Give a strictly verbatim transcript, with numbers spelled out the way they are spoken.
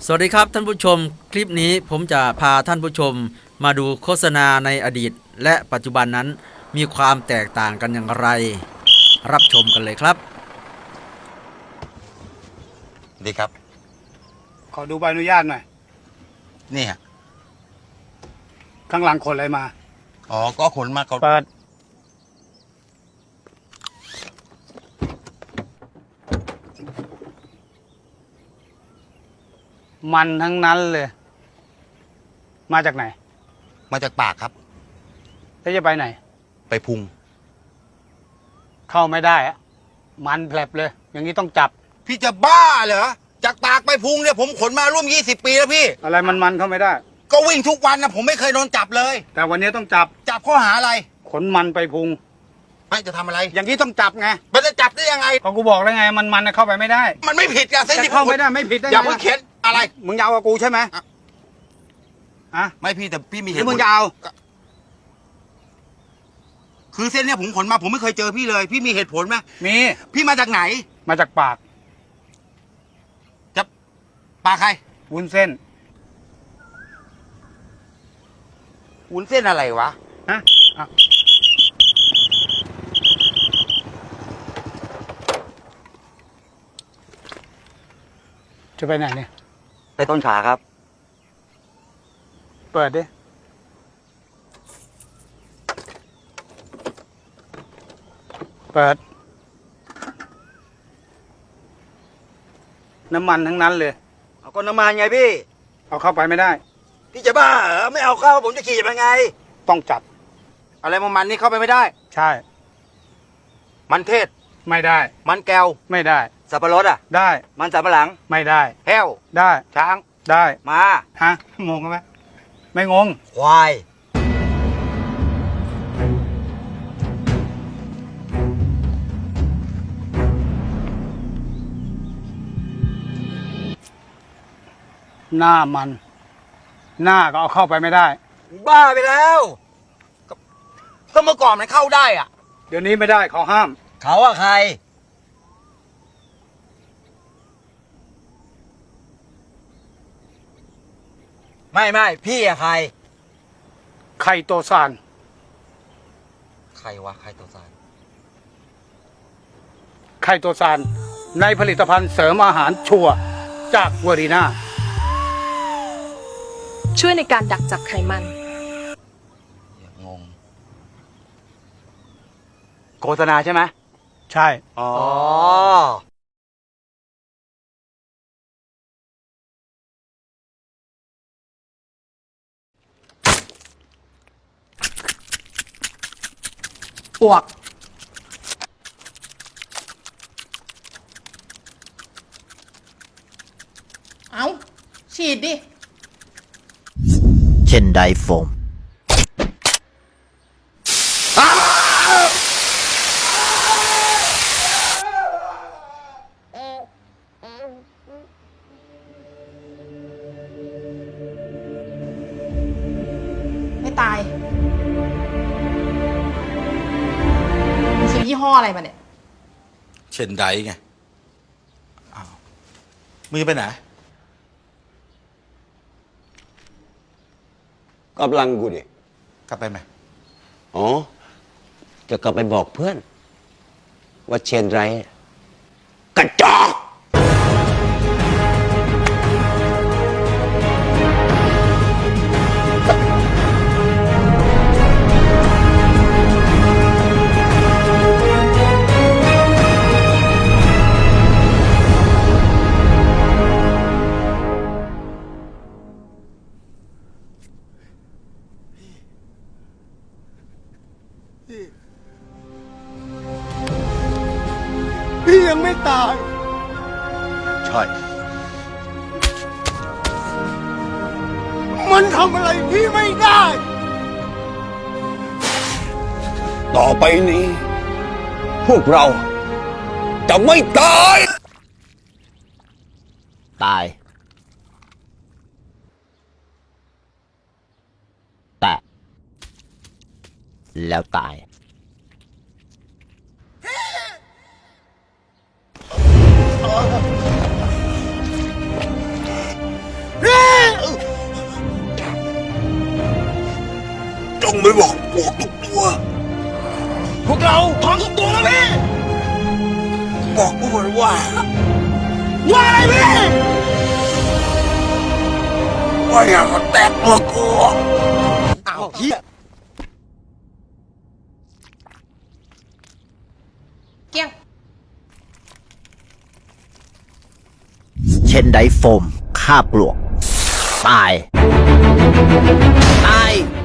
สวัสดีครับท่านผู้ชมคลิปนี้ผมจะพาท่านผู้ชมมาดูโฆษณาในอดีตและปัจจุบันนั้นมีความแตกต่างกันอย่างไรรับชมกันเลยครับดีครับขอดูใบอนุญาตหน่อยนี่ฮะข้างหลังขนอะไรมาอ๋อก็ขนมาเขาเปิดมันทั้งนั้นเลยมาจากไหนมาจากปากครับแล้วจะไปไหนไปพุงเข้าไม่ได้อะมันแผลบเลยอย่างนี้ต้องจับพี่จะบ้าเหรอจากปากไปพุงเนี่ยผมขนมาร่วมยี่สิบปีแล้วพี่อะไรมันมันเข้าไม่ได้ก็วิ่งทุกวันนะผมไม่เคยโดนจับเลยแต่วันนี้ต้องจับจับข้อหาอะไรขนมันไปพุงไม่จะทำอะไรอย่างนี้ต้องจับไงมันจะจับได้ยังไงก็กูบอกแล้วไงมันมันเข้าไปไม่ได้มันไม่ผิดกันเส้นที่เข้าไม่ได้ไม่ผิดได้อย่าเพิ่งเข็นอะไรมึงยาวกับกูใช่ไหมอ่ะไม่พี่แต่พี่มีเหตุผลมึงยาวคือเส้นเนี่ยผมขนมาผมไม่เคยเจอพี่เลยพี่มีเหตุผลไหมมีพี่มาจากไหนมาจากปากจะปากใครวุ้นเส้นวุ้นเส้นอะไรวะฮะจะไปไหนเนี่ยไปต้นขาครับเปิดดิเปิดน้ำมันทั้งนั้นเลยเอาก็น้ำมันไงพี่เอาเข้าไปไม่ได้พี่จะบ้าเหรอไม่เอาเข้าผมจะขี่ยังไงต้องจับอะไรมันนี่เข้าไปไม่ได้ใช่มันเทศไม่ได้มันแก้วไม่ได้สับปะรดอ่ะได้มันสับปะหลังไม่ได้แห้วได้ช้างได้มาฮะงงไหมไม่งงควายหน้ามันหน้าก็เอาเข้าไปไม่ได้บ้าไปแล้วก็เมื่อก่อนมันเข้าได้อ่ะเดี๋ยวนี้ไม่ได้เขาห้ามเขาอะใครไม่ไม่พี่อะใครไข่โตซานใครวะใครโตซานไข่โตซานในผลิตภัณฑ์เสริมอาหารชัวร์จากเวอรีนาช่วยในการดักจับไขมันงงโฆษณาใช่ไหมใช่อ๋อปวกเอาฉีดดิเช่นไดโฟมไม่ตายมึงซื้อยี่ห้ออะไรมาเนี่ยเช่นไดไงอ้าวมึงจะไปไหนกำลังกูดิกลับไปไหมอ๋อจะกลับไปบอกเพื่อนว่าเชนไรกระจอกพี่ยังไม่ตายใช่มันทำอะไรพี่ไม่ได้ต่อไปนี้ พวกเราจะไม่ตายตายแต่แล้วตายวกเราพร้อมทุกตัวแล้วพี่ บอกพวกมันว่า ว่าอะไรพี่ ว่าอย่ามาแตะตัวกูอ้าวเฮียเกี้ยงเช่นไดโฟมฆ่าปลวก ตาย ตาย